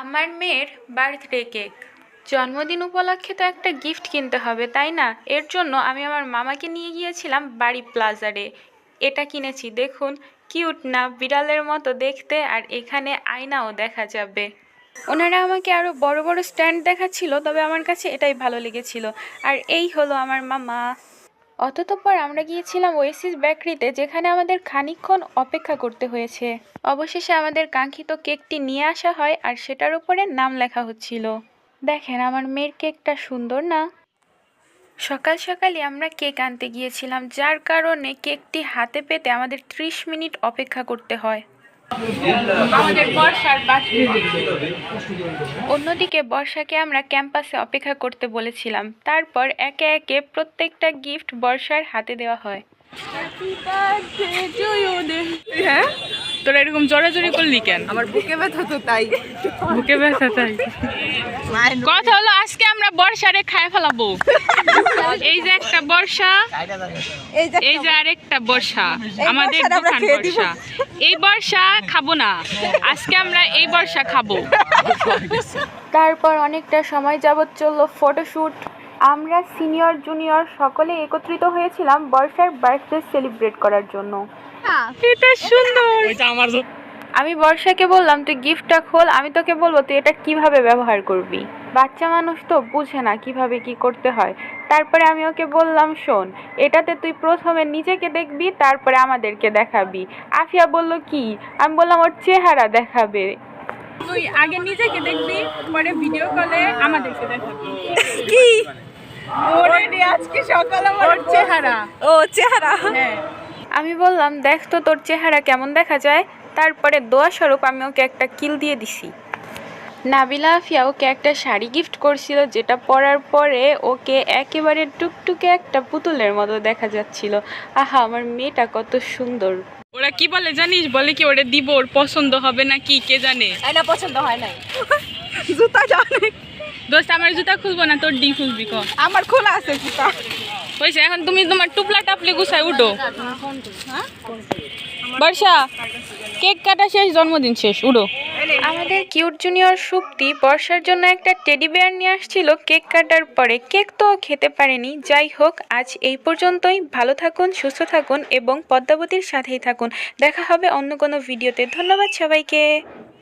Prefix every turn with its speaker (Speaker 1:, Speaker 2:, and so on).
Speaker 1: আমার মেয়ের birthday cake. জন্মদিন উপলক্ষে তো একটা গিফট কিনতে হবে, তাই না? এর জন্য আমি আমার মামাকে নিয়ে গিয়েছিলাম বাড়ি প্লাজারে। এটা কিনেছি, দেখুন কিউট না, বিড়ালের মতো দেখতে, আর এখানে আয়নাও দেখা যাবে। ওনারা আমাকে আরও বড় বড় স্ট্যান্ড দেখাচ্ছিল, তবে আমার কাছে এটাই ভালো লেগেছিল। আর এই হলো আমার মামা। অতঃপর আমরা গিয়েছিলাম ওয়েসিস বেকারিতে, যেখানে আমাদের খানিকক্ষণ অপেক্ষা করতে হয়েছে। অবশেষে আমাদের কাঙ্ক্ষিত কেকটি নিয়ে আসা হয়, আর সেটার উপরে নাম লেখা হচ্ছিল। দেখেন আমার মেয়ের কেকটা সুন্দর না? সকাল সকালই আমরা কেক আনতে গিয়েছিলাম, যার কারণে কেকটি হাতে পেতে আমাদের 30 মিনিট অপেক্ষা করতে হয়। আমাদের বর্ষার অন্যদিকে বর্ষাকে আমরা ক্যাম্পাসে অপেক্ষা করতে বলেছিলাম। তারপর একে একে প্রত্যেকটা গিফট বর্ষার হাতে দেওয়া হয়।
Speaker 2: হ্যাঁ, তোরা এরকম জড়াজড়ি করলি কেন?
Speaker 3: আমার বুকে ব্যথা তো তাই।
Speaker 2: বুকে ব্যথা তাই? কথা হলো আজকে আমরা বর্ষারে খায় ফেলাবো। এই যে একটা বর্ষা, এই যে আরেকটা বর্ষা, আমাদের দোকান বর্ষা। এই বর্ষা খাবো না, আজকে আমরা এই বর্ষা খাবো।
Speaker 1: তারপর অনেকটা সময় যাবৎ চলল ফটোশ্যুট। আমরা সিনিয়র জুনিয়র সকলে একত্রিত হয়েছিলাম বর্ষার বার্থডে সেলিব্রেট করার জন্য।
Speaker 2: এটা সুন্দর।
Speaker 1: আমি বর্ষাকে বললাম, তুই গিফটটা খোল, আমি তোকে বলবো তুই এটা কিভাবে ব্যবহার করবি। বাচ্চা মানুষ তো বুঝে না কিভাবে কি করতে হয়। তারপরে আমি ওকে বললাম, শোন, এটাতে তুই প্রথমে নিজেকে দেখবি, তারপরে আমাদেরকে দেখাবি। আফিয়া বলল কি? আমি বললাম ওর চেহারা দেখাবে।
Speaker 2: তুই আগে নিজেকে দেখবি, পরে ভিডিও কলে আমাদেরকে দেখাবি।
Speaker 3: কি অলরেডি আজকে সকালে আমার
Speaker 2: চেহারা।
Speaker 3: ও চেহারা।
Speaker 2: হ্যাঁ,
Speaker 1: আমি বললাম, দেখ তো তোর চেহারা কেমন দেখা যায়। তারপরে দোয়া স্বরূপ আমি ওকে একটা কিল দিয়ে দিছি। নাবিলা আফিয়া ওকে একটা শাড়ি গিফট করছিল, যেটা পরার পরে ওকে একেবারে টুকটুকে একটা পুতুলের মতো দেখা যাচ্ছিল। আহা, আমার মেয়েটা কত সুন্দর।
Speaker 2: ওরা কি বলে জানিস? বলে কি ওরে দিব, ওর পছন্দ হবে না কি কে জানে।
Speaker 3: না পছন্দ হয় নাই। জুতা জানে
Speaker 2: দোস্ত, আমার জুতা খুলবো না, তোর ডি খুলবি।
Speaker 3: আমার খোলা আছে জুতা।
Speaker 2: হয়েছে, এখন তুমি তোমার টুপলা টাপলে গুছায় উঠো। বর্ষা, কেক কাটা শেষ, জন্মদিন শেষ, উঠো।
Speaker 1: আমাদের কিউট জুনিয়র সুপ্তি বর্ষার জন্য একটা টেডি বেয়ার নিয়ে আসছিল কেক কাটার পরে। কেক তো খেতে পারেনি। যাই হোক, আজ এই পর্যন্তই। ভালো থাকুন, সুস্থ থাকুন এবং পদ্মাবতীর সাথেই থাকুন। দেখা হবে অন্য কোনো ভিডিওতে। ধন্যবাদ সবাইকে।